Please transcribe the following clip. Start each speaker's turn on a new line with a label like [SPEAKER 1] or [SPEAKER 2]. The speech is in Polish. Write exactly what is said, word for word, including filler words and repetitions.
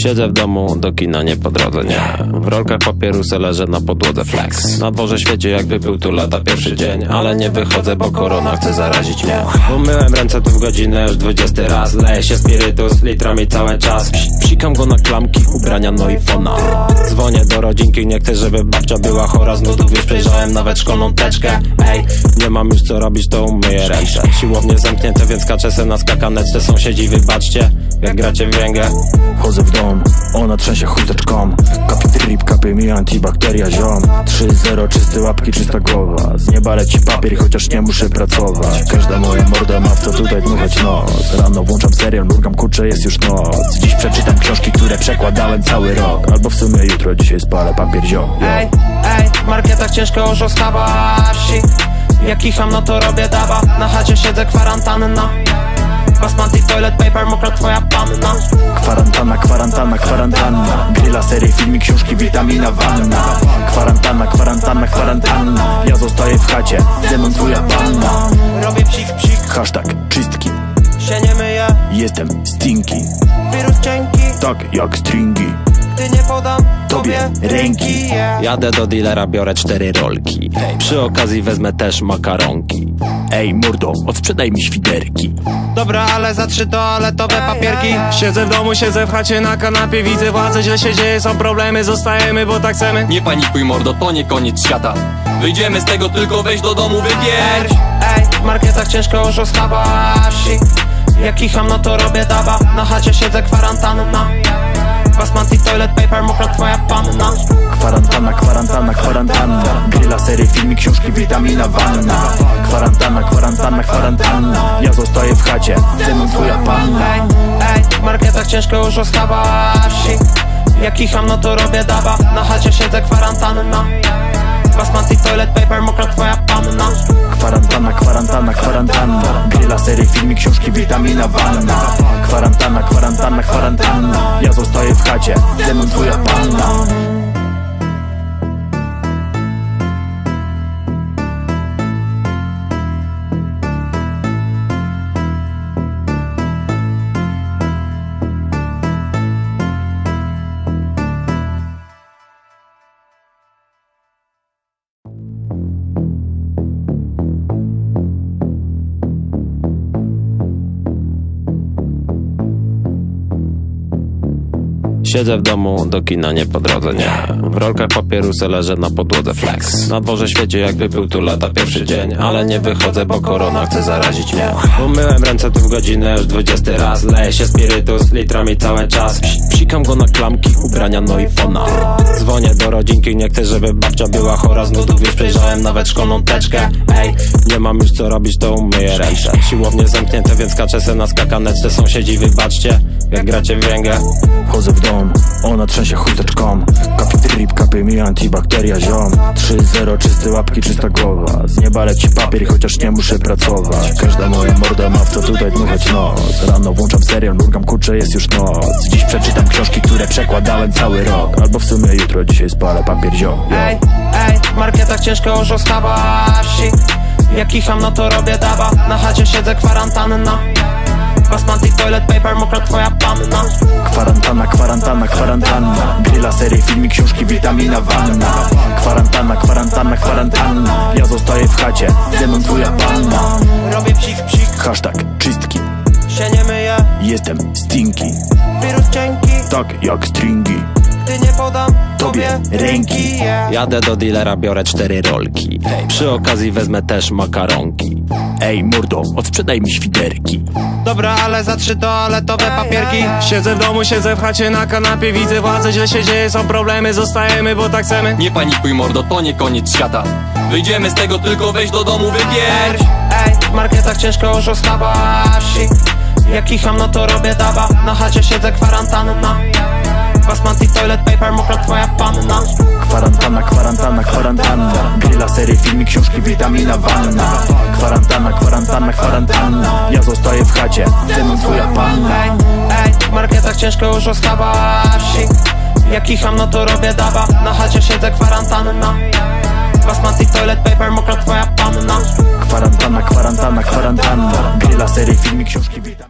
[SPEAKER 1] Siedzę w domu, do kina nie po drodze, nie. W rolkach papierusa leżę na podłodze flex. Na dworze świecie jakby był tu lata pierwszy dzień, ale nie wychodzę, bo korona chce zarazić mnie. Umyłem ręce tu w godzinę już dwudziesty raz. Leje się spirytus litrami cały czas. Psikam go na klamki, ubrania, no i fona. Dzwonię do rodzinki, nie chcę, żeby babcia była chora. Z nudów już przejrzałem nawet szkolną teczkę. Ej, nie mam już co robić, to umyję ręce. Siłownie zamknięte, więc kaczę se na skakaneczce. Sąsiedzi, wybaczcie, jak gracie w węgę.
[SPEAKER 2] Wchodzę w dom, ona trzęsie chusteczką. Kapie trip, kapie mi antibakteria, ziom. trzy zero, czyste łapki, czysta głowa. Z nieba leci papier, chociaż nie muszę pracować. Każda moja morda ma w co tutaj dmuchać nos. Rano włączam serial, mrugam, kurczę, jest już noc. Dziś przeczytam książki, które przekładałem cały rok. Albo w sumie jutro, dzisiaj spalę papier, ziom.
[SPEAKER 3] Ej, ej, w marketach ciężko już oskabaści. Jak kicham, no to robię daba. Na chacie siedzę, kwarantanna. Basmati, toilet paper, mokra twoja panna.
[SPEAKER 2] Kwarantanna, kwarantanna, kwarantanna. Grilla, serie, filmy, książki, witamina, wanna. Kwarantanna, kwarantanna, kwarantanna. Ja zostaję w chacie, ze mną twoja panna.
[SPEAKER 3] Robię psik, psik,
[SPEAKER 2] Hashtag czystki,
[SPEAKER 3] się nie myję.
[SPEAKER 2] jestem stinky.
[SPEAKER 3] Wirus cienki,
[SPEAKER 2] Tak jak stringi,
[SPEAKER 3] gdy nie podam
[SPEAKER 2] tobie ręki.
[SPEAKER 3] yeah.
[SPEAKER 1] Jadę do dealera, biorę cztery rolki. Przy okazji wezmę też makaronki.
[SPEAKER 2] Ej mordo, odsprzedaj mi świderki.
[SPEAKER 3] Dobra, ale za trzy toaletowe papierki.
[SPEAKER 4] Siedzę w domu, siedzę w chacie na kanapie. Widzę władzę, źle się dzieje, są problemy. Zostajemy, bo tak chcemy.
[SPEAKER 5] Nie panikuj mordo, to nie koniec świata. Wyjdziemy z tego, tylko wejdź do domu, wypierdź.
[SPEAKER 3] Ej, w marketach ciężko już oskabaści. Jak kicham, no to robię daba. Na chacie siedzę, kwarantanna. Basmati, toilet paper, mokra twoja panna.
[SPEAKER 2] Kwarantanna, kwarantanna, kwarantanna. Grilla, serie, filmy, książki, witamina, wanna. Kwarantanna, kwarantanna, kwarantanna. Ja zostaję w chacie, ze mną twoja panna.
[SPEAKER 3] Ej, ej, w marketach ciężko już oskabaści. Jak kicham, no to robię daba. Na chacie siedzę, kwarantanna. Basmati, toilet paper, mokra twoja panna.
[SPEAKER 2] Kwarantanna, kwarantanna, kwarantanna. Grilla, serie, filmy, książki, witamina, wanna. Kwarantanna, kwarantanna, kwarantanna. Ja zostaję w chacie, ze mną twoja panna.
[SPEAKER 1] Siedzę w domu, do kina nie po drodze, nie. W rolkach papierusa leżę na podłodze flex. Na dworze świecie jakby był tu lata pierwszy dzień, ale nie wychodzę, bo korona chce zarazić mnie. Umyłem ręce tu w godzinę już dwudziesty raz. Leje się spirytus litrami cały czas. Psikam go na klamki, ubrania, no i fona. Dzwonię do rodzinki, nie chcę, żeby babcia była chora. Z nudów już przejrzałem nawet szkolną teczkę. Ej, nie mam już co robić, to umyję ręce. Siłownie zamknięte, więc kaczę se na skakaneczce. Sąsiedzi, wybaczcie, jak gracie w węgę.
[SPEAKER 2] Wchodzę w dom, ona trzęsie chusteczką. Kapie trip, kapie mi antibakteria, ziom. trzy zero, czyste łapki, czysta głowa. Z nieba leci papier, chociaż nie muszę pracować. Każda moja morda ma w co tutaj dmuchać nos. Rano włączam serial, mrugam, kurczę, jest już noc. Dziś przeczytam książki, które przekładałem cały rok. Albo w sumie jutro, dzisiaj spalę papier, ziom.
[SPEAKER 3] Ej, ej, w marketach ciężko już oskabaści. Jak kicham, no to robię daba. Na chacie siedzę, kwarantanna. Basmati, toilet paper, mokra twoja panna.
[SPEAKER 2] Kwarantanna, kwarantanna, kwarantanna. Grilla, serie, filmy, książki, witamina, wanna. Kwarantanna, kwarantanna, kwarantanna. Ja zostaję w chacie, ze mną twoja panna.
[SPEAKER 3] Robię psik, psik,
[SPEAKER 2] Hashtag czystki,
[SPEAKER 3] się nie myję.
[SPEAKER 2] jestem stinky.
[SPEAKER 3] Wirus cienki,
[SPEAKER 2] Tak jak stringi,
[SPEAKER 3] gdy nie podam
[SPEAKER 2] tobie ręki.
[SPEAKER 3] yeah.
[SPEAKER 1] Jadę do dealera, biorę cztery rolki. Przy okazji wezmę też makaronki.
[SPEAKER 2] Ej mordo, odsprzedaj mi świderki.
[SPEAKER 3] Dobra, ale za trzy toaletowe papierki.
[SPEAKER 4] Siedzę w domu, siedzę w chacie na kanapie. Widzę władzę, źle się dzieje, są problemy. Zostajemy, bo tak chcemy.
[SPEAKER 5] Nie panikuj mordo, to nie koniec świata. Wyjdziemy z tego, tylko wejdź do domu, wypierdź.
[SPEAKER 3] Ej, w marketach ciężko już oskabaści. Jak kicham, no to robię daba. Na chacie siedzę, kwarantanna. Basmati, toilet paper, mokra twoja panna.
[SPEAKER 2] Kwarantanna, kwarantanna, kwarantanna. Grilla, serie, filmy, książki, witamina, wanna. Kwarantanna, kwarantanna, kwarantanna. Ja zostaję w chacie, ze mną twoja panna.
[SPEAKER 3] Ej, ej, w marketach ciężko już oskabaści. Jak kicham, no to robię daba. Na chacie siedzę, kwarantanna. Basmati, toilet paper, mokra twoja panna.
[SPEAKER 2] Kwarantanna, kwarantanna, kwarantanna. Grilla, serie, filmy, książki, witamina.